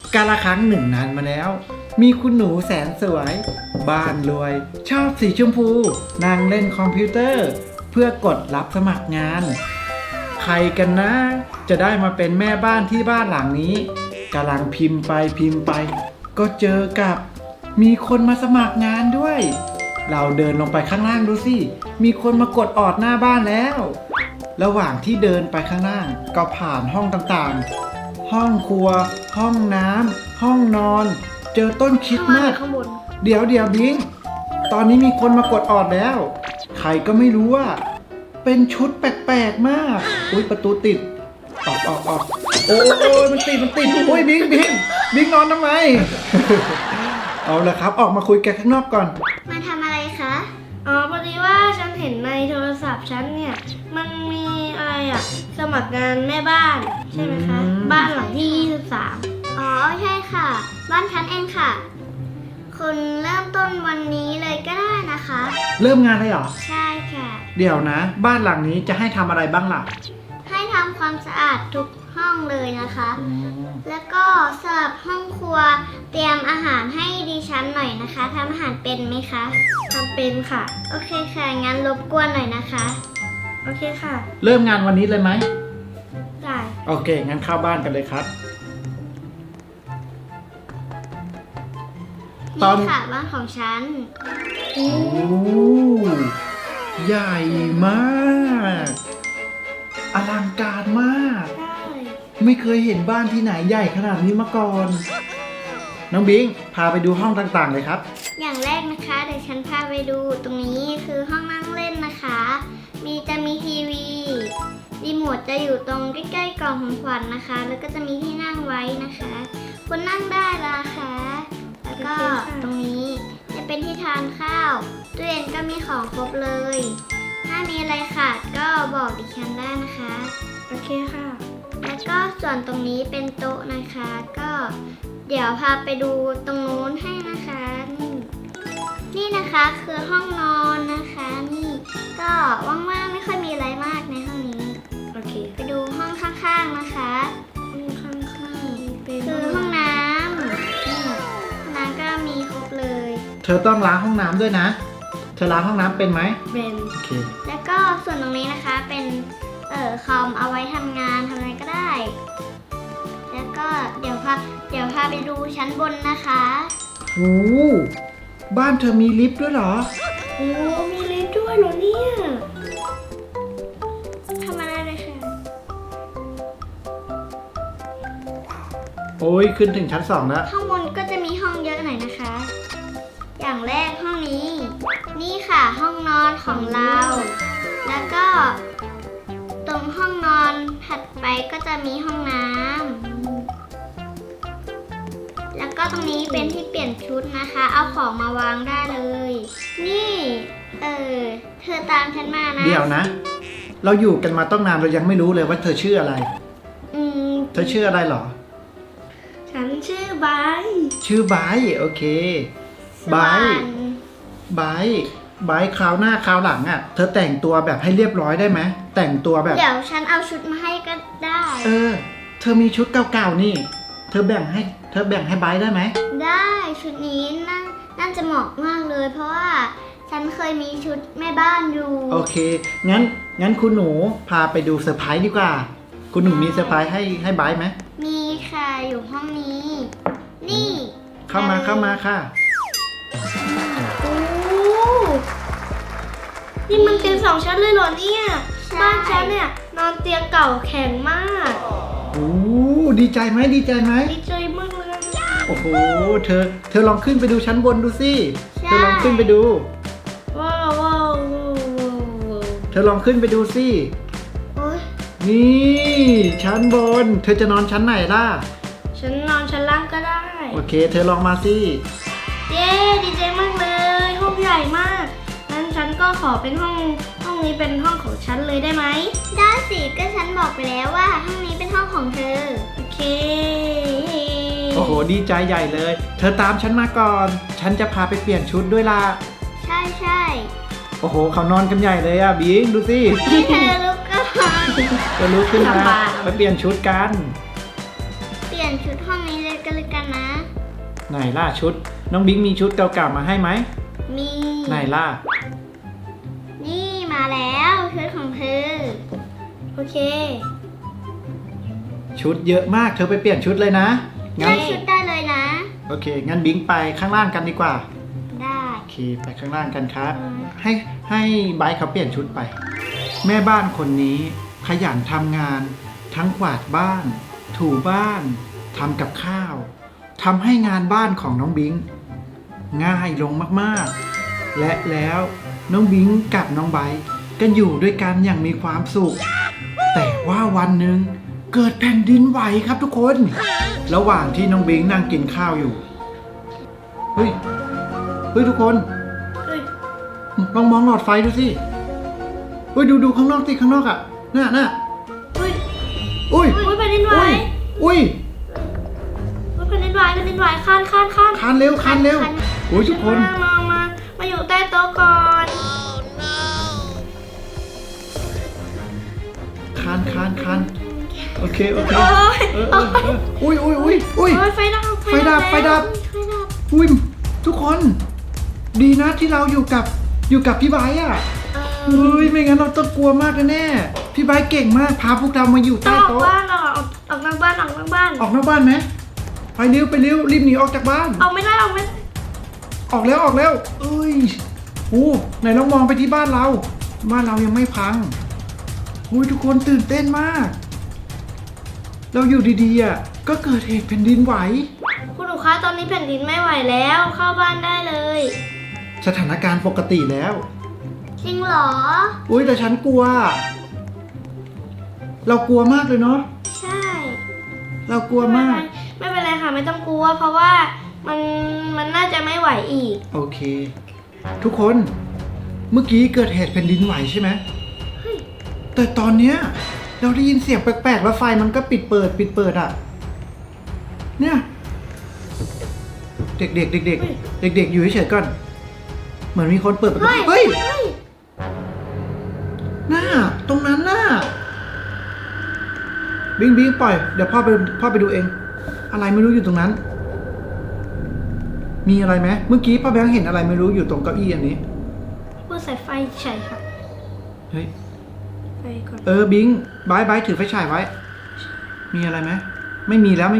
กาลครั้งหนึ่งนานมาแล้ว มีคุณหนูแสนสวย บ้านรวย ชอบสีชมพูนั่งเล่นคอมพิวเตอร์ เพื่อกดรับสมัครงาน ใครกันนะ จะได้มาเป็นแม่บ้านที่บ้านหลังนี้กำลังพิมพ์ไป ก็เจอกับมีคนมาสมัครงานด้วย เราเดินลงไปข้างล่างดูสิมีคนมากดออดหน้าบ้านแล้ว ระหว่างที่เดินไปข้างล่างก็ผ่านห้องต่างๆ ห้องครัว ห้องน้ำห้องนอน เจอต้นคริสต์มาสข้างบนเดี๋ยวบิง ตอนนี้มีคนมากดออดแล้ว ใครก็ไม่รู้ว่า เป็นชุดแปลกๆมาก อุ้ยประตูติด ออกโอ้ยมันติดอุ้ยบิงนอนทำไม เอาละครับ ออกมาคุยกันข้างนอกก่อนมาทำอะไรคะอ๋อพอดีว่าฉันเห็นในโทรศัพท์ฉันเนี่ยมันมีอะไรอะสมัครงานแม่บ้านใช่ไหมคะ บ้านหลังที่ 23 อ๋อใช่ค่ะ บ้านฉันเองค่ะ คุณเริ่มต้นวันนี้เลยก็ได้นะคะเริ่มงานเลยเหรอใช่ค่ะเดี๋ยวนะ บ้านหลังนี้จะให้ทำอะไรบ้างล่ะให้ทำความสะอาดทุกห้องเลยนะคะ แล้วก็สำหรับห้องครัวเตรียมอาหารให้ดิฉันหน่อยนะคะทำอาหารเป็นไหมคะทำเป็นค่ะโอเคค่ะ งั้นรบกวนหน่อยนะคะโอเคค่ะเริ่มงานวันนี้เลยไหมได้โอเค งั้นเข้าบ้านกันเลยครับ ตอนนี่ค่ะบ้านของฉันโอ้ใหญ่มากอลังการมากได้ไม่เคยเห็นบ้านที่ไหนใหญ่ขนาดนี้มาก่อน น้องบิงพาไปดูห้องต่างๆเลยครับอย่างแรกนะคะเดี๋ยวฉันพาไปดูตรงนี้คือห้องนั่งเล่นนะคะ จะมีทีวีรีโมทจะอยู่ตรงใกล้ๆกล่องของขวัญนะคะ แล้วก็จะมีที่นั่งไว้นะคะคุณนั่งได้ละคะแล้วก็ตรงนี้จะเป็นที่ทานข้าวตู้เย็นก็มีของครบเลย ถ้ามีอะไรขาดก็บอกดิฉันได้นะคะโอเคค่ะแล้วก็ส่วนตรงนี้เป็นโต๊ะนะคะ ก็เดี๋ยวพาไปดูตรงนู้นให้นะคะนี่นะคะคือห้องนอนนะคะนี่ก็ว่างๆไม่ค่อยมีอะไรมากในห้องนี้โอเคไปดูห้องข้างๆนะคะข้างๆเป็นคือห้องน้ำนี่ห้องน้ำก็มีครบเลยเธอต้องล้างห้องน้ำด้วยนะ เธอล้างห้องน้ำเป็นไหมเป็นโอเคแล้วก็ส่วนตรงนี้นะคะเป็นคอมเอาไว้ทำงานทำอะไรก็ได้ แล้วก็เดี๋ยวพาไปดูชั้นบนนะคะโอ้บ้านเธอมีลิฟต์ด้วยเหรอโอ้มีลิฟต์ด้วยเหรอเนี่ยทำอะไรเลยค่ะโอ้ยขึ้นถึงชั้น2แล้วข้างบนก็จะมีห้องเยอะหน่อยนะคะ อย่างแรกห้องนี้ นี่ค่ะห้องนอนของเรา แล้วก็ตรงห้องนอนถัดไปก็จะมีห้องน้ำแล้วก็ตรงนี้เป็นที่เปลี่ยนชุดนะคะ เอาของมาวางได้เลย นี่เธอตามฉันมานะเดี๋ยวนะ เราอยู่กันมาต้องนานเรายังไม่รู้เลยว่าเธอชื่ออะไรอืมเธอชื่ออะไรเหรอฉันชื่อไบร์ทชื่อไบร์ทโอเค ไบร์ท ไบร์ทคราวหน้าคราวหลังอ่ะ เธอแต่งตัวแบบให้เรียบร้อยได้ไหม แต่งตัวแบบเดี๋ยวฉันเอาชุดมาให้ก็ได้เธอมีชุดเก่าๆนี่ เธอแบ่งให้ไบร์ทได้ไหมได้ชุดนี้น่าจะเหมาะมากเลย เพราะว่าฉันเคยมีชุดแม่บ้านอยู่โอเค งั้นคุณหนูพาไปดูเซอร์ไพรส์ดีกว่า คุณหนูมีเซอร์ไพรส์ให้ไบร์ทไหมมีค่ะอยู่ห้องนี้ นี่เข้ามาค่ะโอ้นี่มันเตียง2 ชั้นเลยเหรอเนี่ย บ้านฉันเนี่ยนอนเตียงเก่าแข็งมากโอ้ดีใจไหมดีใจมากเลยโอ้โห เธอลองขึ้นไปดูชั้นบนดูสิ เธอลองขึ้นไปดูว้าวเธอลองขึ้นไปดูสิโอ๊ยนี่ชั้นบน เธอจะนอนชั้นไหนล่ะฉันนอนชั้นล่างก็ได้โอเค เธอลองมาสิเย้ดีใจมากเลย ห้องใหญ่มากงั้นฉันก็ขอเป็นห้องนี้เป็นห้องของฉันเลยได้ไหมได้สิก็ฉันบอกไปแล้วว่าห้องนี้เป็นห้องของเธอโอเคโอ้โห ดีใจใหญ่เลย เธอตามฉันมาก่อน ฉันจะพาไปเปลี่ยนชุดด้วยล่ะใช่โอ้โห เขานอนกันใหญ่เลยอ่ะบิงดูสินี่เธอลุกก่อนจะลุกขึ้นมาไปเปลี่ยนชุดกันเปลี่ยนชุดห้องนี้เลยก็แล้วกันไหนล่ะชุด น้องบิ๊กมีชุดเก่าๆมาให้ไหมมีไหนล่ะนี่มาแล้วชุดของเธอโอเคชุดเยอะมากเธอไปเปลี่ยนชุดเลยนะ งั้ได้นชุดได้เลยนะโอเค งั้นบิ๊กไปข้างล่างกันดีกว่าได้โอเค ไปข้างล่างกันครับ ให้ไบร์ทเขาเปลี่ยนชุดไป แม่บ้านคนนี้ขยันทำงาน ทั้งกวาดบ้าน ถูบ้านทำกับข้าวทำให้งานบ้านของน้องบิงง่ายลงมากๆ และแล้วน้องบิงกับน้องไบร์ทก็อยู่ด้วยกันอย่างมีความสุข แต่ว่าวันหนึ่งเกิดแผ่นดินไหวครับทุกคน ระหว่างที่น้องบิงนั่งกินข้าวอยู่เฮ้ยทุกคนเฮ้ยลองมองหลอดไฟดูสิเฮ้ยดูข้างนอกสิข้างนอกอ่ะน่ะเฮ้ยอุ้ยอุ้ยแผ่นดินไหวอุ้ยแผ่นดินไหวคานคานเร็วอุ้ยทุกคนมาอยู่ใต้โต๊ะก่อนคานโอเคโอ้ยอุ้ยโอ้ยไฟดับไฟดับอุ้ยทุกคน ดีนะที่เราอยู่กับพี่ไบร์ทอ่ะเฮ้ยไม่งั้นเราต้องกลัวมากแน่ๆพี่ไบร์ทเก่งมากพาพวกเรามาอยู่ต้อใต้งออกโต๊ะบ้านออกนอกบ้านออกนอกบ้านไหมไปเร็วรีบหนีออกจากบ้านออกไม่ได้ออกแล้วเอ้ยโอ้ไหนลองมองไปที่บ้านเรายังไม่พังโอ้ยทุกคนตื่นเต้นมาก เราอยู่ดีๆอ่ะก็เกิดเหตุแผ่นดินไหวคุณหนูคะตอนนี้แผ่นดินไม่ไหวแล้วเข้าบ้านได้เลยสถานการณ์ปกติแล้วจริงเหรออุ้ยแต่ฉันกลัว เรากลัวมากเลยเนาะใช่เรากลัวมากไม่เป็นไรค่ะไม่ต้องกลัว เพราะว่ามันน่าจะไม่ไหวอีกโอเค ทุกคนเมื่อกี้เกิดเหตุแผ่นดินไหวใช่ไหมแต่ตอนเนี้ยเราได้ยินเสียงแปลกๆแล้วไฟมันก็ปิดเปิดอ่ะเนี่ยเด็กอยู่เฉยๆก่อนเหมือนมีคนเปิดประตูเฮ้ยน่าตรงนั้นน่ะบิงปล่อยเดี๋ยวพ่อไปดูเองอะไรไม่รู้อยู่ตรงนั้น มีอะไรไหมเมื่อกี้พ่อแบงค์เห็นอะไรไม่รู้อยู่ตรงเก้าอี้อันนี้เพื่อใส่ไฟใช่ค่ะเฮ้ยไปก่อนบิงบายถือไฟฉายไว้ มีอะไรไหมไม่มีแล้ว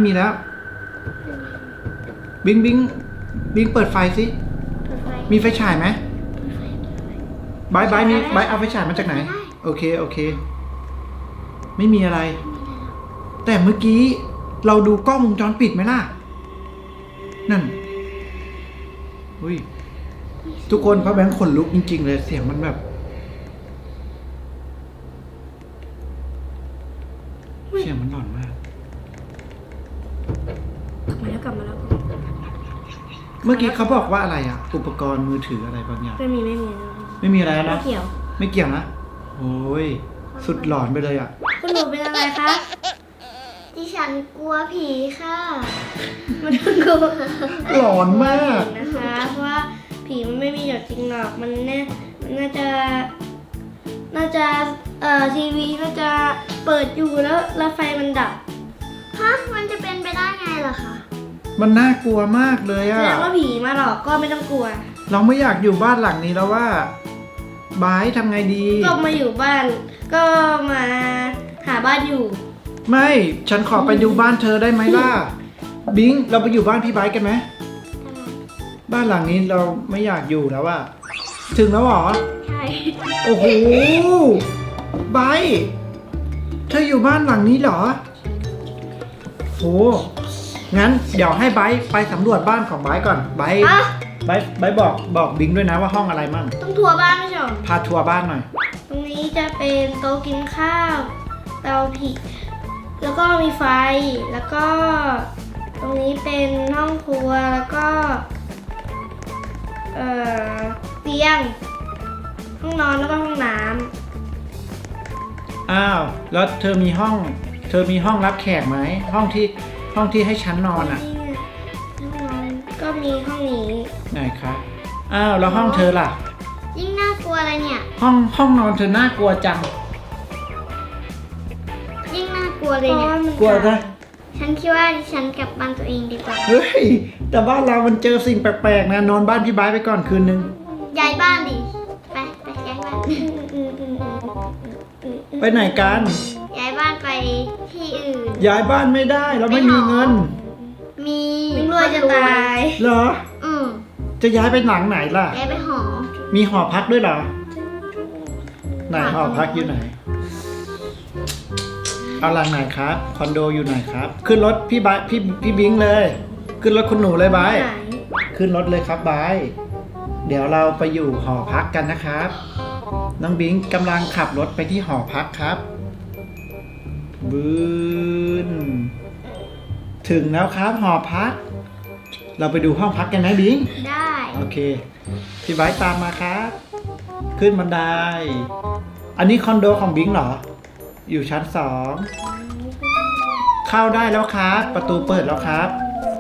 บิงเปิดไฟสิเปิดไฟมีไฟฉายไหมบายเอาไฟฉายมาจากไหนโอเคไม่มีอะไร แต่เมื่อกี้เราดูกล้องวงจรปิดไหมล่ะนั่นอุ้ยทุกคนพ่อแบงค์ขนลุกจริงๆเลยเสียงมันแบบเสียงมันหลอนมากกลับมาแล้วเมื่อกี้เขาบอกว่าอะไรอ่ะอุปกรณ์มือถืออะไรบางอย่างไม่มีไม่มีอะไรแล้วไม่นะเกี่ยวไม่เกี่ยวนะโอ้ยสุดหลอนไปเลยอ่ะคุณหนูเป็นอะไรคะดิฉันกลัวผีค่ะมันกลัวหลอนมากนะคะเพราะว่าผีมันไม่มีอยู่จริงหรอกมันน่าจะทีวีน่าจะเปิดอยู่แล้วไฟมันดับฮะ มันจะเป็นไปได้ไงล่ะคะมันน่ากลัวมากเลยแสอ่ะดงว่าผีมาหลอกก็ไม่ต้องกลัวเราไม่อยากอยู่บ้านหลังนี้แล้วว่าบายทำไงดีก็มาอยู่บ้านก็มาหาบ้านอยู่ไม่ฉันขอไปดูบ้านเธอได้ไหมล่ะบิงเราไปอยู่บ้านพี่บายกันไหมบ้านหลังนี้เราไม่อยากอยู่แล้วอะถึงแล้วเหรอใช่โอ้โหไบร์ทเธออยู่บ้านหลังนี้เหรอโหงั้นเดี๋ยวให้ไบร์ทไปสำรวจบ้านของไบร์ทก่อนไบร์ทอะไบร์ทบอกบิงด้วยนะว่าห้องอะไรมั่งต้องทัวร์บ้านไม่ใช่หรอพาทัวร์บ้านหน่อยตรงนี้จะเป็นโต๊ะกินข้าวเตาผิงแล้วก็มีไฟแล้วก็ ตรงนี้เป็นห้องครัวแล้วก็เตียงห้องนอนแล้วก็ห้องน้อ้าวแล้วเธอมีห้องรับแขกไหมห้องที่ให้ฉันนอนำอ่ะนี่ไงห้องนอนก็มีห้องนี้ไหนคะอ้าวแล้วห้องเธอล่ะยิ่งน่ากลัวเลยเนี่ยห้องนอนเธอน่ากลัวจังยิ่งน่ากลัวเลยเพราะเนี่ยว่ามันกลัวจะนะฉันคิดว่าดิฉันกลับบ้านตัวเองดีกว่าเฮ้ย แต่บ้านเรามันเจอสิ่งแปลกๆนะนอนบ้านพี่ไบร์ทไปก่อนคืนนึงย้ายบ้านดิ ไปย้ายบ้านไปไหนกันย้ายบ้านไปที่อื่นย้ายบ้านไม่ได้เราไม่มีเงินมีไม่รวยจะตายเหรออืมจะย้ายไปหลังไหนล่ะย้ายไปหอมีหอพักด้วยเหรอ ไหนหอพักอยู่ไหน เอาหลังไหนครับ คอนโดอยู่ไหนครับ ขึ้นรถพี่ไบร์ทพี่บิงเลย ขึ้นรถคุณหนูเลยไบร์ทไหนขึ้นรถเลยครับไบร์ทเดี๋ยวเราไปอยู่หอพักกันนะครับ น้องบิงกำลังขับรถไปที่หอพักครับบืนถึงแล้วครับหอพัก เราไปดูห้องพักกันไหมบิงได้โอเค พี่ไบร์ทตามมาครับ ขึ้นบันได อันนี้คอนโดของบิงเหรอ อยู่ชั้น 2 เข้าได้แล้วครับ ประตูเปิดแล้วครับ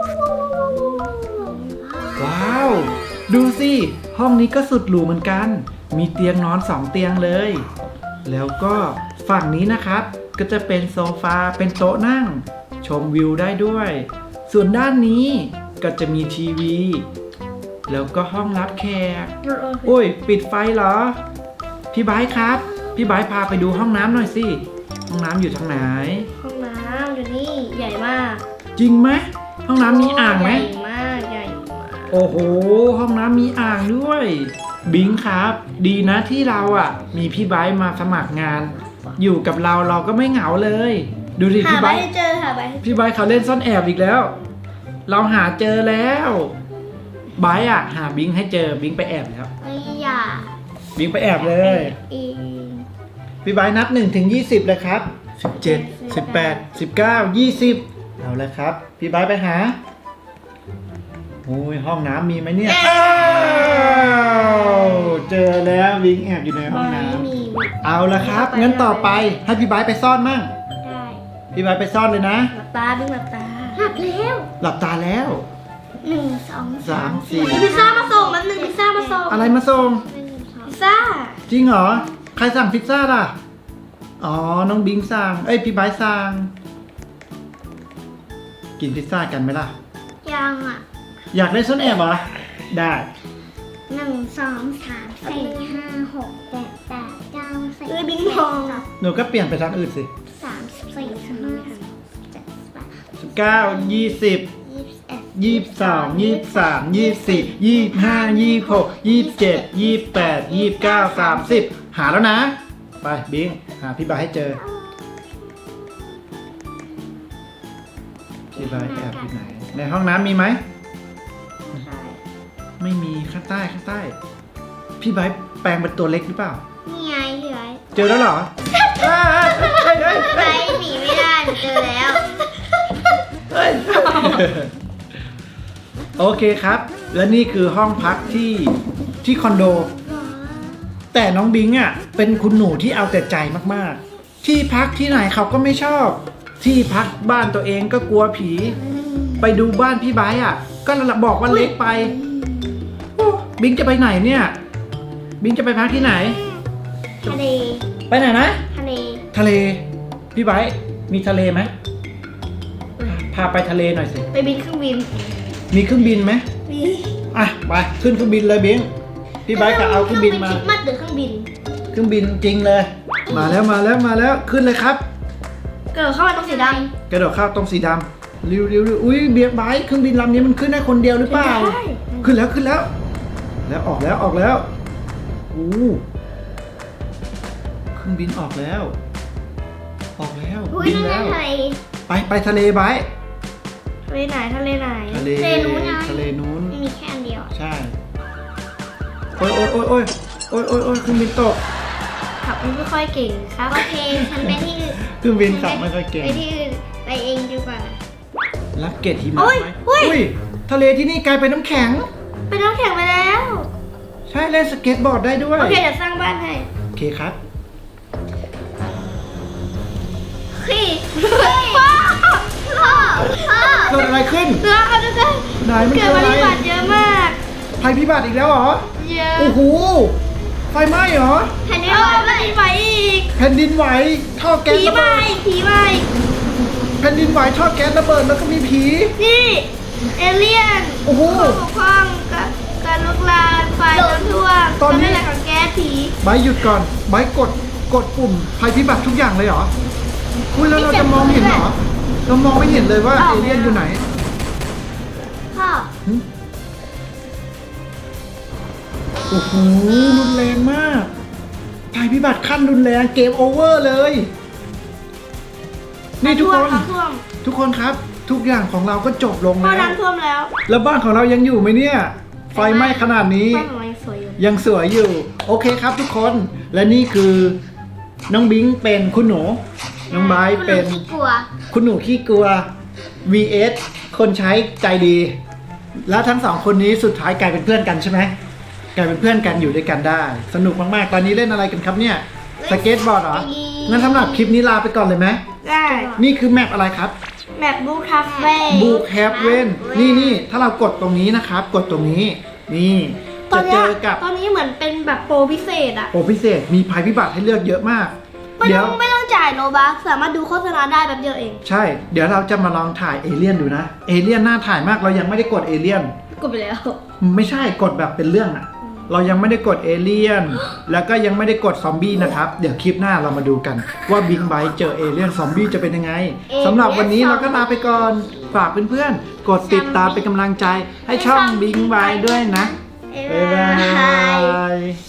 ว้าว ดูสิ ห้องนี้ก็สุดหรูเหมือนกัน มีเตียงนอน 2 เตียงเลย แล้วก็ฝั่งนี้นะครับ ก็จะเป็นโซฟา เป็นโต๊ะนั่ง ชมวิวได้ด้วย ส่วนด้านนี้ก็จะมีทีวี แล้วก็ห้องรับแขก โอ้ย ปิดไฟเหรอ พี่ไบร์ทครับ พี่ไบร์ทพาไปดูห้องน้ำหน่อยสิ ห้องน้ำอยู่ทางไหนห้องน้ำอยู่นี่ใหญ่มากจริงไหม ห้องน้ำมีอ่างไหมใหญ่มากใหญ่มากโอ้โห ห้องน้ำมีอ่างด้วย บิงครับ ดีนะที่เราอ่ะ มีพี่ไบร์ทมาสมัครงาน อยู่กับเราเราก็ไม่เหงาเลย ดูดิหาพี่ไปไบร์ทให้เจอหาไปให้เจอพี่ไบร์ทเขาเล่นซ่อนแอบอีกแล้ว เราหาเจอแล้วไบร์ทอ่ะ หาบิงให้เจอ บิงไปแอบแล้วไม่อยากบิงไปแอบเลยเองพี่ไบร์ทนับ1 ถึง 20เลยครับ 17 18 19 20เอาเลยครับ พี่ไบร์ทไปหาโอ้ยห้องน้ำมีไหมเนี่ยอ้าวเจอแล้ววิงแอบอยู่ในห้องน้ไม่มีำเอาละครับ งั้นต่อไปให้พี่ไบร์ทไปซ่อนมั่งได้พี่ไบร์ทไปซ่อนเลยนะหลับตาดึงหลับตาหักแล้วหลับตาแล้ว 1 2 3 มีพิซซ่ามาส่งมันหนึ่งพิซซ่ามาส่งอะไรมาส่งพิซซ่าจริงเหรอ ใครสั่งพิซซ่าล่ะ อ๋อ น้องบิงสั่ง เอ้ย พี่ไบร์ทสั่ง กินพิซซ่ากันไหมล่ะยังอ่ะอยากเล่นซ่อนแอบเหรอ ได้ 1 2 3 4 5 6 7 8 9 10 เอ้ยบิงพองหนูก็เปลี่ยนไปทางอื่นสิ 34 35 37 9 20 21 22 23 24 25 26 27 28 29 30 หาแล้วนะ ไปบิง หาพี่ไบร์ทให้เจอ พี่ไบร์ทแอบอยู่ไหน ในห้องน้ำมีไหม ไม่มีข้างใต้ข้างใต้ พี่ไบร์ทแปลงเป็นตัวเล็กหรือเปล่านี่ไงพี่ไว้เจอแล้วเหรอเอ้ยเอ้ยเอ้ยไปเอ้ยหนีไม่ได้หนูเจอแล้วเอ้ยโอเคครับ และนี่คือห้องพักที่คอนโด แต่น้องบิงอ่ะเป็นคุณหนูที่เอาแต่ใจมากๆ ที่พักที่ไหนเขาก็ไม่ชอบ ที่พักบ้านตัวเองก็กลัวผี ไปดูบ้านพี่ไบร์ทอ่ะ ก็บอกว่าเล็กไปโอ้บิงจะไปไหนเนี่ย บิงจะไปพักที่ไหนทะเลไปไหนนะทะเลทะเล พี่ไบร์ทมีทะเลไหมพาไปทะเลหน่อยสิไปบินเครื่องบินมีเครื่องบินไหมมีอ่ะไปขึ้นเครื่องบินเลยบิงพี่ไบร์ทก็เอาเครื่องบินมาคริสต์มาสหรือเครื่องบินเครื่องบินจริงเลย มาแล้วมาแล้วมาแล้วขึ้นเลยครับเกิดเข้ามาตรงสีดกระโดดเข้าตรงสีดำริวอุ้ยเบียร์ไบค์เครื่องบินลำนี้มันขึ้นได้คนเดียวหรือำเปล่าใช่ขึ้นแล้วขึ้นแล้ว แล้วออกแล้วออกแล้วอู้เครื่องบินออกแล้ว ออกแล้วอุ้ยบินนั่นแล้วทะเลไปทะเลไบค์ทะเลไหนทะเลไหนทะเลทะเลนู้นไงทะเลนู้นมีแค่อันเดียวใช่โอ้ยโอ้ยโอ้ยโอ้ยโอ้ยโอ้ยโอ้ยเครื่องบินตกขับไม่ค่อยเก่งครับโอเค ฉันไปที่อื่นเครื่องบินขับไม่ค่อยเก่งไปที่อื่น ไปเองดีกว่ารับเกรดหิมะไหมอุ้ยทะเลที่นี่กลายเป็นน้ำแข็งเป็นน้ำแข็งไปแล้วใช่เล่นสเก็ตบอร์ดได้ด้วยโอเคเดี๋ยวสร้างบ้านให้โอเคครับขี้พ่อพ่อเกิดอะไรขึ้นเรือเขาจะได้ไหนมันเกิเกิดดมาอะไรริบาตเยอะมากภัยพิบัติอีกแล้วเหรอเยอะโอ้โห ไฟไหม้เหรอแผ่นดินเอาไหวแผ่นดินไหวอีกแผ่นดินไหว ท่อแก๊สผีระไหวเบิดผีไหวแผ่นดินไหวท่อแก๊สระเบิดแล้วก็มีผีนี่เอเลี่ยนโอ้โหผู้ปกครองกับการลุกลามไฟน้ำท่วมตอนนี้การเป็นอะไรของแก๊สผีไบร์ทหยุดก่อนไบร์ทกดปุ่มภัยพิบัติทุกอย่างเลยเหรอคุยแล้วเราจะมองเห็นเหรอ เรามองไม่เห็นเลยว่าเอเลี่ยนอยู่ไหนพ่อหึโอ้โหรุนแรงมากภัยพิบัติขั้นรุนแรงเกมโอเวอร์เลย นี่ทุกคนน้ำท่วมทุกคนครับ ทุกอย่างของเราก็จบลงพอแล้วน้ำท่วมแล้วแล้วบ้านของเรายังอยู่ไหมเนี่ย ไฟไหม้ขนาดนี้บ้านของเรายังสวยอยู่ยังสวยอยู่ โอเคครับทุกคน และนี่คือน้องบิงเป็นคุณหนู น้องไบร์ทเป็นคุณหนูขี้กลัวคุณหนูขี้กลัว vs คนใช้ใจดี แล้วทั้งสองคนนี้สุดท้ายกลายเป็นเพื่อนกันใช่ไหมกลายเป็นเพื่อนกันอยู่ด้วยกันได้ สนุกมากๆ ตอนนี้เล่นอะไรกันครับเนี่ย สเก็ตบอร์ดเหรอ งั้นสำหรับคลิปนี้ลาไปก่อนเลยไหมได้นี่คือแมปอะไรครับแมปบูคาเฟ่บูแคปเว่นนี่ถ้าเรากดตรงนี้นะครับ กดตรงนี้ นี่ตอจะนเจเนี้ยอกับตอนนี้เหมือนเป็นแบบโปรพิเศษอะโอ้พิเศษ มีภัยพิบัติให้เลือกเยอะมากไม่เดี๋ต้ยอวงไม่ต้องจ่ายโลบัคสามารถดูโฆษณาได้แบบเดียวเองใช่ เดี๋ยวเราจะมาลองถ่ายเอเลี่ยนดูนะ เอเลี่ยนน่าถ่ายมาก เรายังไม่ได้กดเอเลี่ยนกดไปแล้วไม่ใช่กดแบบเป็นเรื่องอะเรายังไม่ได้กดเอเลี่ยน แล้วก็ยังไม่ได้กดซอมบี้นะครับ เดี๋ยวคลิปหน้าเรามาดูกัน ว่าบิ๊กไบค์เจอเอเลี่ยนซอมบี้จะเป็นยังไงสำหรับวันนี้เราก็ลาไปก่อน ฝากเพื่อนๆ กดติดตามเป็นกำลังใจให้ช่องบิ๊กไบค์ด้วยนะ บ๊ายบาย